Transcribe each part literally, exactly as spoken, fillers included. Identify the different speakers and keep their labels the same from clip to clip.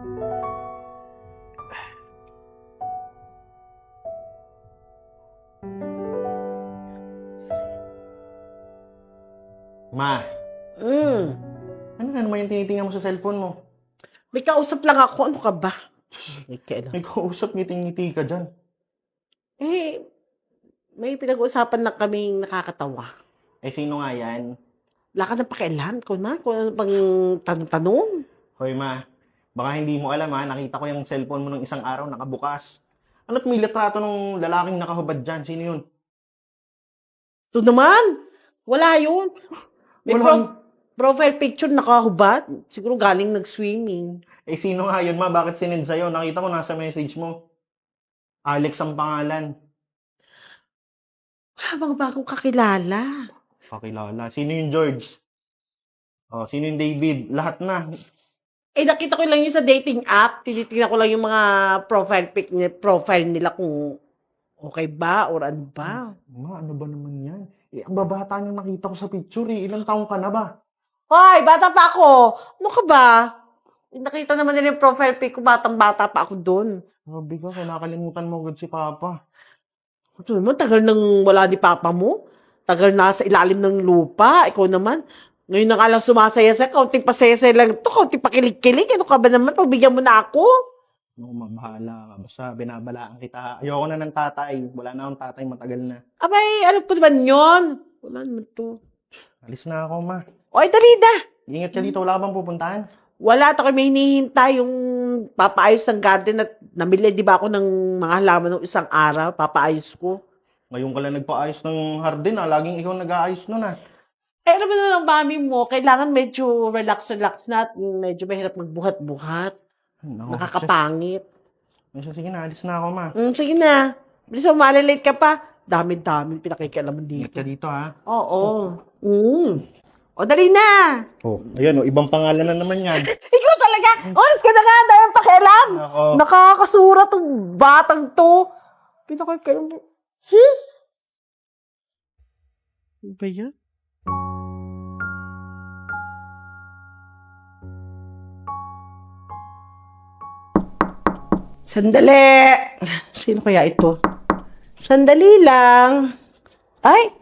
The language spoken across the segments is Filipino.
Speaker 1: Ma,
Speaker 2: Hmm.
Speaker 1: ano na naman yung tinitingnan mo sa cellphone mo?
Speaker 2: May kausap lang ako. Ano ka ba? May kailan.
Speaker 1: May kausap, ngiti-ngiti ka dyan.
Speaker 2: Eh, may pinag-uusapan na kaming nakakatawa.
Speaker 1: Eh, sino nga yan?
Speaker 2: Wala ka ng pakialam. Ikaw na, kung ano pang tanong-tanong.
Speaker 1: Hoy, ma, baka hindi mo alam ha, nakita ko yung cellphone mo nung isang araw nakabukas. Ano't may litrato ng lalaking nakahubad dyan? Sino yun?
Speaker 2: Ito naman, wala yun. May
Speaker 1: Wala
Speaker 2: prof- profile picture nakahubad. Siguro galing nag-swimming.
Speaker 1: Eh, sino nga yun, ma? Bakit sinend sa'yo? Nakita ko nasa message mo. Alex ang pangalan.
Speaker 2: Wala bang bagong kakilala?
Speaker 1: Pakilala. Sino yung George? Oh, sino yung David? Lahat na.
Speaker 2: Eh, nakita ko lang yun sa dating app. Tinitingnan ko lang yung mga profile pic ni profile nila kung okay ba or ano ba.
Speaker 1: Ma, ano ba naman yan? Eh, ang babata niyang nakita ko sa picture eh. Ilang taong ka na ba?
Speaker 2: Hoy, bata pa ako. Ano ka ba? Eh, nakita naman nila yung profile pic ko. Batang-bata pa ako doon.
Speaker 1: Sabi ka, kinakalimutan mo agad si Papa.
Speaker 2: Ito naman, tagal nang wala ni Papa mo. Tagal na sa ilalim ng lupa. Ikaw naman, ngayon na nga lang sumasaya sa kaunting pasaya-saya lang ito, kaunting pakilig-kilig. Ano ka ba naman? Pagbigyan mo na ako.
Speaker 1: Ano, mamahala ka. Basta binabalaan kita. Ayoko na ng tatay. Wala na akong tatay, matagal na.
Speaker 2: Abay, ano po naman yun? Wala naman to.
Speaker 1: Alis na ako, ma.
Speaker 2: Oy, dali na.
Speaker 1: Ingat ka dito. Wala ka bang pupuntahan?
Speaker 2: Wala, ito kayo may hinihintay yung papaayos ng garden at namili, di ba ako ng mga halaman ng isang araw, papaayos ko.
Speaker 1: Ngayon ka lang nagpaayos ng hardin, ah. Laging ikaw nag-aayos nun, ah.
Speaker 2: Eh, ano ba naman ang mami mo? Kailangan medyo relax-relax na at medyo mahirap magbuhat-buhat.
Speaker 1: No,
Speaker 2: Nakakapangit.
Speaker 1: Sige, sige na. Alis na ako, ma.
Speaker 2: Mm, sige na. Bilis mo, malilate ka pa. Dami-dami pinakikialaman
Speaker 1: Ingat
Speaker 2: dito.
Speaker 1: ka dito, ha.
Speaker 2: Oo. Mm. O, dali na.
Speaker 1: Oh, ayan, oh. Ibang pangalan na naman yan.
Speaker 2: Ikaw talaga. Oras ka na nga. Dahil pakialam.
Speaker 1: Ako.
Speaker 2: Nakakasura tong batang to. Pinakikialaman. Hmm? Ano ba yan? Sandali. Sino kaya ito? Sandali lang. Ay!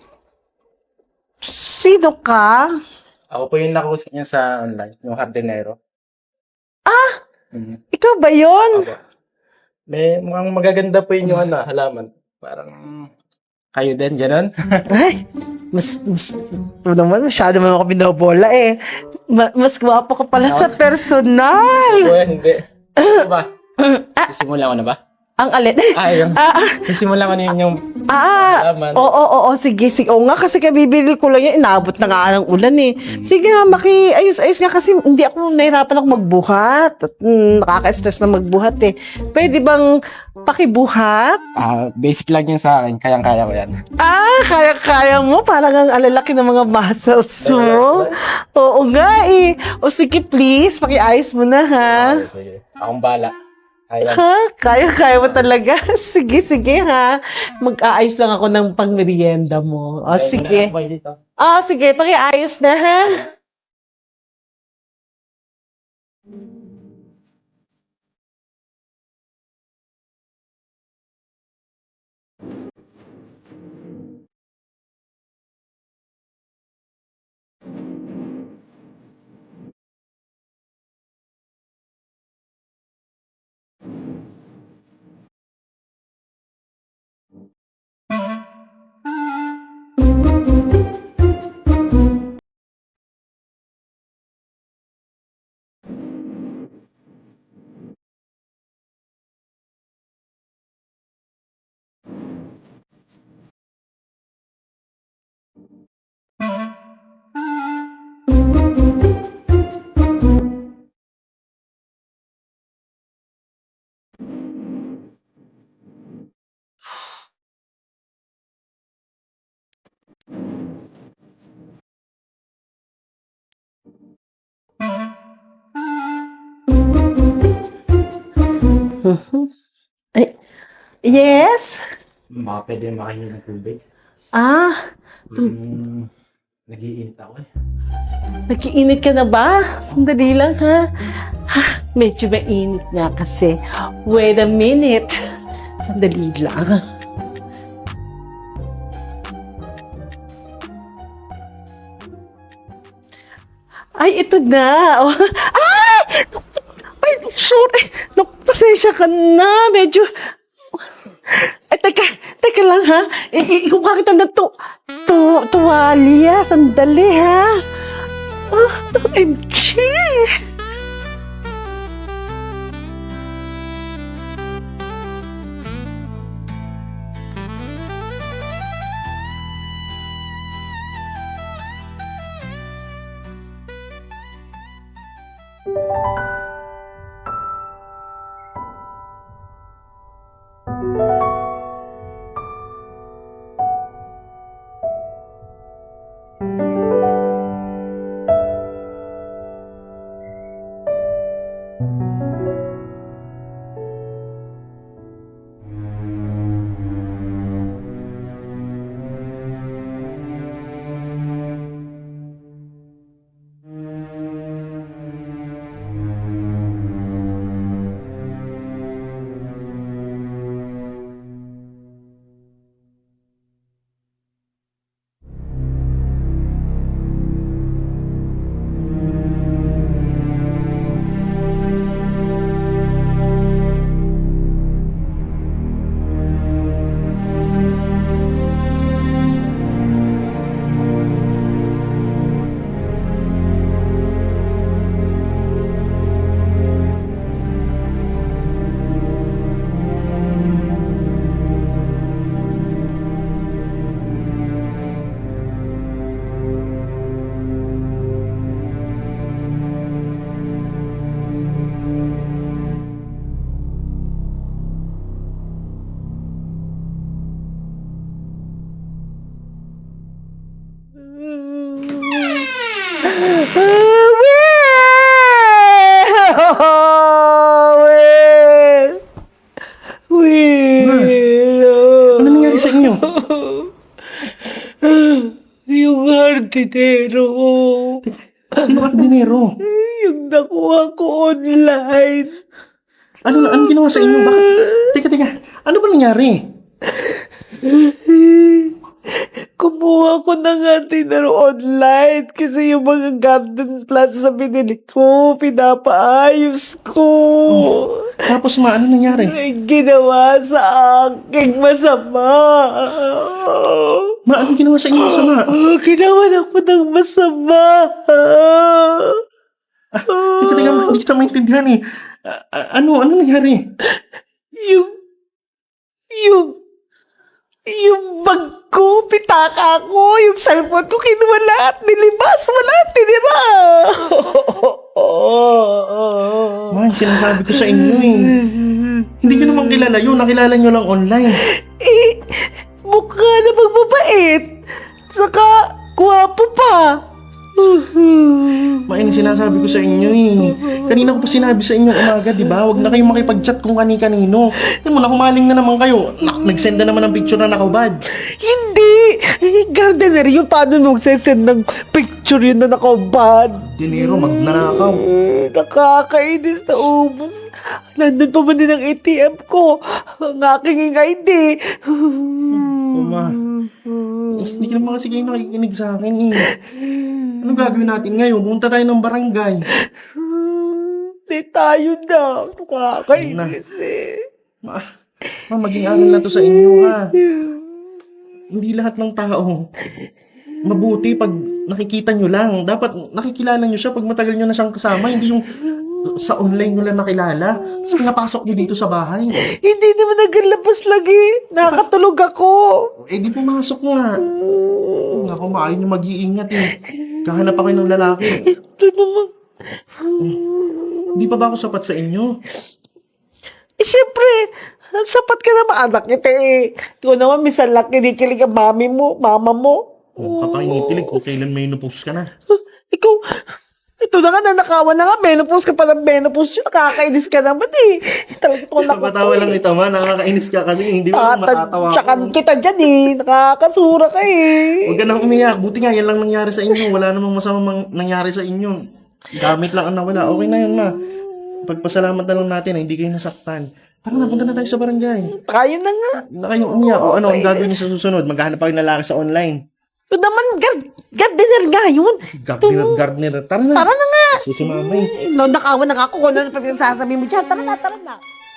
Speaker 2: Sino ka?
Speaker 3: Ako po yung nakausap niya sa online, yung hardinero.
Speaker 2: Ah!
Speaker 3: Mhm.
Speaker 2: Ikaw ba yun?
Speaker 3: Opo. May mukhang magaganda po yung ano, halaman. Parang kayo din, gano'n?
Speaker 2: Ay! Mas, mas, ito naman, masyado naman ako binobola eh. Ma- mas gwapo ka pala sa personal.
Speaker 3: O hindi. Ano ba? Sisimula ko na ba?
Speaker 2: Ang alin.
Speaker 3: Ah, yung,
Speaker 2: Ah, ah,
Speaker 3: sisimula ko na yun yung
Speaker 2: ah,
Speaker 3: halaman.
Speaker 2: oo, oo, oo, sige, sige. Oo nga, kasi kabibili ko lang yan. Inaabot na nga ng ulan eh. Sige nga, maki, ayos-ayos nga kasi hindi ako, nahirapan ako magbuhat. At, mm, nakaka-stress na magbuhat eh. Pwede bang pakibuhat?
Speaker 3: Ah, basic lang yun sa akin, kayang-kaya ko yan.
Speaker 2: Ah, kaya-kaya mo. Parang ang alalaki ng mga muscles mo. Oo nga eh. O sige, please, pakiayos mo na ha.
Speaker 3: Okay, sige. Akong bala. Kaya.
Speaker 2: Ha? Kaya-kaya mo talaga? Sige, sige ha. Mag-aayos lang ako ng pangmerienda mo. O sige.
Speaker 3: Bye dito.
Speaker 2: Ah, sige, pakiayos na ha. Ay, yes?
Speaker 3: Baka pwede makahingi ng tubig.
Speaker 2: Ah,
Speaker 3: Hmm, nag-iinit ako eh.
Speaker 2: nag-iinit ka na ba? Sandali lang ha. Ha? Medyo mainit nga kasi. Wait a minute. Sandali lang. Ay, ito na. Oh. Ay! Ay, sorry. Naku, pasensya ka na. Medyo... Ay, teka. Teka lang, ha? I- i- Ikuha kita na to. To, tuwalya. Sandali, ha? Ah, O M G! Will! Will!
Speaker 1: Ano nangyari sa inyo?
Speaker 2: Yung hardinero.
Speaker 1: Sino ka dinero?
Speaker 2: Yung nakuha ko online.
Speaker 1: Ano na, ano ginawa sa inyo? Bakit? Teka, teka. Ano ba nangyari?
Speaker 2: Kumuha ko ng hardinero online kasi yung mga garden plants na binili ko, pinapaayos ko.
Speaker 1: Tapos ma, ano nangyari?
Speaker 2: May ginawa sa aking masama.
Speaker 1: Ma, ano ginawa sa inyo sama?
Speaker 2: Oh, ginawa ako ng masama.
Speaker 1: Teka, teka, ma, hindi kita maintindihan eh. A- a- ano, ano nangyari?
Speaker 2: Yung, yung, yung bag ko, pitaka ko, yung cellphone ko, kinuha lahat, nilibas, wala, tinira.
Speaker 1: Ma, yung sinasabi ko sa inyo eh. Hindi ko naman kilala yun. Nakilala nyo lang online.
Speaker 2: Eh, mukha na magbabait. Saka, guwapo pa.
Speaker 1: Ma, yun yung sinasabi ko sa inyo eh. Kanina ko pa sinabi sa inyo umaga, di ba? Huwag na kayong makipag-chat kung kani-kanino. Tignan mo, nakumaling na naman kayo. Na- Nag-send na naman ng picture na nakubad.
Speaker 2: Hindi! Eh, gardener yun. Paano nung sesend ng picture yun na nakabad?
Speaker 1: Dinero, magnanakaw.
Speaker 2: Eh, nakakainis na ubos. Nandun pa man din ang A T M ko. Ang aking I D.
Speaker 1: Ma, eh, hindi ka naman kasi kayo nakikinig sa akin eh. Anong gagawin natin ngayon? Pumunta tayo ng barangay.
Speaker 2: Hindi tayo na. Nakakainis eh.
Speaker 1: Ma, ma maging aral na to sa inyo ha. Hindi lahat ng tao mabuti pag nakikita nyo lang. Dapat nakikilala nyo siya pag matagal nyo na siyang kasama. Hindi yung sa online nyo lang nakilala. Tapos pinapasok nyo dito sa bahay.
Speaker 2: Hindi naman nagalabas lagi. Nakatulog ako.
Speaker 1: Eh di pumasok nga. Ako, maayon nyo mag-iingat eh. Kahanap ako ng lalaki.
Speaker 2: Ito naman.
Speaker 1: Hindi pa ba ako sapat sa inyo?
Speaker 2: Eh, syempre, sapat ka naman anak kita eh. Ikaw naman, minsan lang kinikilig ang mami mo, mama mo.
Speaker 1: Oh, kapag initilig, kung kailan may inupos ka na.
Speaker 2: Ikaw, ito na nga, nanakawan na nga, menopause ka pa ng menopause yun, nakakainis ka naman eh. Talagang ito ako
Speaker 1: Napatawa lang ito ma, nakakainis ka kasi hindi mo lang matatawa
Speaker 2: Tatadyakan
Speaker 1: ako.
Speaker 2: kita dyan eh, nakakasura ka eh.
Speaker 1: Huwag ka nang umiyak, buti nga yan lang nangyari sa inyo. Wala namang masamang mang- nangyari sa inyo. Gamit lang ang nawala, okay na yun ma. Ipagpasalamat na lang natin na hindi kayo nasaktan. Tara na, punta na tayo sa barangay.
Speaker 2: Tayo na nga.
Speaker 1: Na kayong umiyak. O ano, ang
Speaker 2: Okay.
Speaker 1: gagawin niyo sa susunod? Maghahanap pa kayo ng lalaki sa online.
Speaker 2: Ito naman, guard, gardener nga yun.
Speaker 1: Gardener, gardener. Tara na.
Speaker 2: Tara na nga.
Speaker 1: Kasi si mama eh.
Speaker 2: Ay, no, nakawa na nga ako kung ano pa pinagsasabi mo dyan. Tara na, tara na.